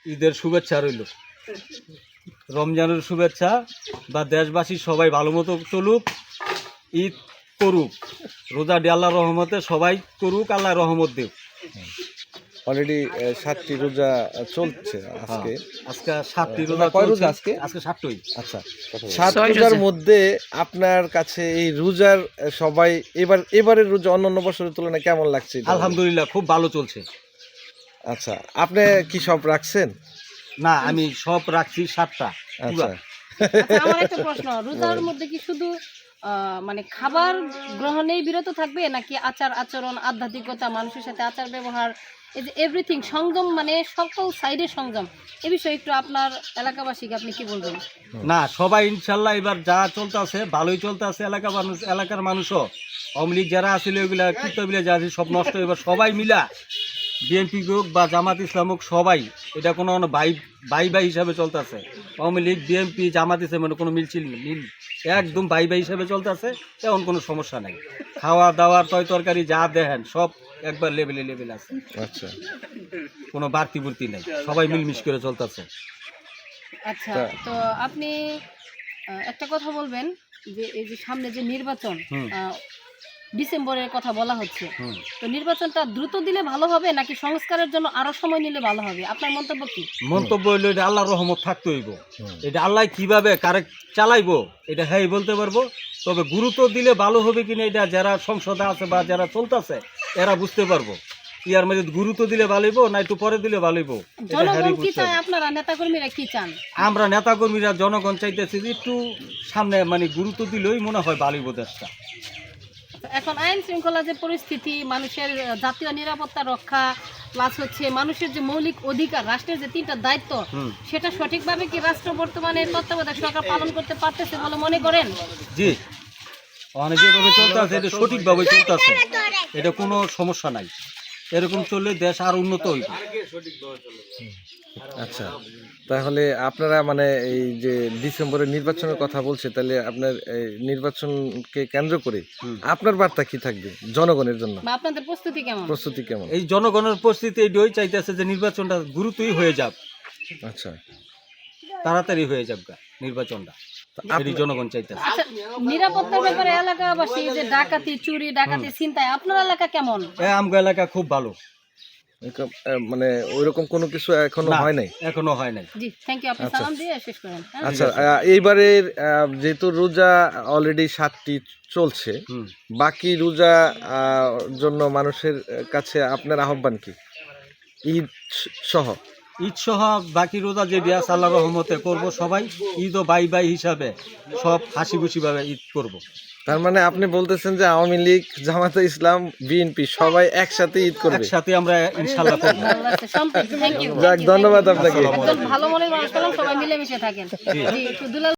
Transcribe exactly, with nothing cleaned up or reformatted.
ঈদের শুভেচ্ছা রইল, রমজানের শুভেচ্ছা, বা দেশবাসী সবাই ভালো মতো চলুক, ঈদ করুক, রোজা দিয়ে আল্লাহর রহমতে সবাই করুক, আল্লাহ রহমত দেব। অলরেডি সাতটি রোজা চলছে আজকে। আজকে সাতটি রোজা কয় চলছে। রোজা আজকে? আজকে সাতটাই। আচ্ছা, সাত রোজার মধ্যে আপনার কাছে এই রোজার সবাই এবার এবারের রোজা অন্যান্য বছরের তুলনায় কেমন লাগছে? আলহামদুলিল্লাহ খুব ভালো চলছে। আচ্ছা, আপনি কি সব রাখছেন? না, আমি সব রাখছি সাতটা। আচ্ছা, আচ্ছা, আমার একটা প্রশ্ন, রোজার মধ্যে কি শুধু আহ, মানে খাবার গ্রহণেই বিরত থাকবে, নাকি আচার আচরণ, আধ্যাত্মিকতা, মানুষের সাথে আচার ব্যবহার, এই যে এভরিথিং সংযম, মানে সকল সাইডে সংযম, এ বিষয়ে একটু আপনার এলাকাবাসীকে আপনি কি বলবেন? না, সবাই ইনশাল্লাহ এবার যা চলতে আছে ভালোই চলতে আছে। এলাকা মানুষ, এলাকার মানুষও, আওয়ামী লীগ যারা আছিল ওইগুলা কীর্তবিলা যা আছে সব নষ্ট। এবার সবাই মিলা, বিএনপি হোক বা জামাত ইসলাম হোক, সবাই এটা কোনো বাই বাই বাই হিসাবে চলতে আছে। আওয়ামী লীগ, বিএনপি, জামাত ইসলাম মানে কোনো মিলছিল মিল, একদম বাই বাই হিসাবে চলতে আছে। এমন কোনো সমস্যা নাই। খাওয়া দাওয়ার তয় তরকারি যা দেখেন সব একবার লেভেলে লেভেল আছে। আচ্ছা, কোনো বাড়তি বুড়তি নাই, সবাই মিলমিশ করে চলতেছে। আচ্ছা, তো আপনি আহ, একটা কথা বলবেন যে এই যে সামনে যে নির্বাচন, হুম। আহ, ডিসেম্বরের কথা বলা হচ্ছে, হুম। তো নির্বাচনটা দ্রুত দিলে ভালো হবে নাকি সংস্কারের জন্য আরো সময় নিলে ভালো হবে? আপনার মন্তব্য কি? মন্তব্য হইলো এটা আল্লাহর রহমত থাকতে হইব। এটা আল্লাহ কিভাবে কারেক্ট চালাইবো এটা হ্যাঁ বলতে পারবো। তবে গুরুত্ব দিলে ভালো হবে কিনা এটা যারা সংসদে আছে বা যারা চলতেছে এরা বুঝতে পারবো। ইয়ার মধ্যে গুরুত্ব দিলে ভালোইব না একটু পরে দিলে ভালোইব, এটা জনগণ হ্যারই কি বুঝতে চায়, হবে। আপনারা নেতাকর্মীরা কি চান? আমরা নেতাকর্মীরা জনগণ চাইতেছি যে একটু সামনে মানে গুরুত্ব দিলেই মনে হয় ভালোইব দেশটা। এখন আইন শৃঙ্খলা যে পরিস্থিতি, মানুষের জাতীয় নিরাপত্তা রক্ষা, প্লাস হচ্ছে মানুষের যে মৌলিক অধিকার, রাষ্ট্রের যে তিনটা দায়িত্ব, হুম। সেটা সঠিকভাবে কি রাষ্ট্র বর্তমানে তত্ত্বাবধায়ক সরকার পালন করতে পারতেছে বলে মনে করেন? জি, অনেক যেভাবে চলতে আছে এটা সঠিকভাবে চলতে আছে, এটা কোনো সমস্যা নাই। এরকম চললে দেশ আর উন্নত হইব। আচ্ছা, তাহলে আপনারা মানে এই যে ডিসেম্বরের নির্বাচনের কথা বলছে, তাহলে আপনার এই নির্বাচনকে কেন্দ্র করে হুম। আপনার বার্তা কি থাকবে জনগণের জন্য? বা আপনাদের প্রস্তুতি কেমন? প্রস্তুতি কেমন? এই জনগণের পরিস্থিতি এইটাই চাইতেছে যে নির্বাচনটা গুরুত্বই হয়ে যাক, আচ্ছা, তাড়াতাড়ি হয়ে যাক গা নির্বাচনটা, এটি জনগণ চাইতেছে। আচ্ছা, নিরাপত্তার ব্যাপারে এলাকাবাসী এই যে ডাকাতি, চুরি, ডাকাতি, ছিনতাই, আপনার এলাকা কেমন? এ আমগো এলাকা খুব ভালো। এরকম, আহ, মানে ওইরকম কোনো কিছু এখনো না, হয় নাই? এখনো হয় নাই। জি, থ্যাংক ইউ। আপনি আচ্ছা। সালাম দিয়ে শেষ করেন। হ্যাঁ? আচ্ছা, আহ, এইবারের আহ, যেহেতু রোজা অলরেডি সাতটি চলছে, হুম। বাকি রোজা আহ, জন্য মানুষের কাছে আপনার আহ্বান কি ঈদ সহ? ঈদ সহ বাকি রোজা যে বিয়াস আল্লাহ রহমতে করব সবাই, ঈদও বাই বাই হিসাবে সব হাসি খুশি ভাবে ঈদ করব। তার মানে আপনি বলতেছেন যে আওয়ামী লীগ, জামাতে ইসলাম, বিএনপি সবাই একসাথে ঈদ করবে? একসাথে আমরা ইনশাল্লাহ করব। ভালো লাগছে, সম্পৃক্ত। Thank you. যাক, ধন্যবাদ আপনাকে। একদম ভালো মনের মানুষ পেলাম, সবাই মিলেমিশে থাকেন। জি, একটু দুলাল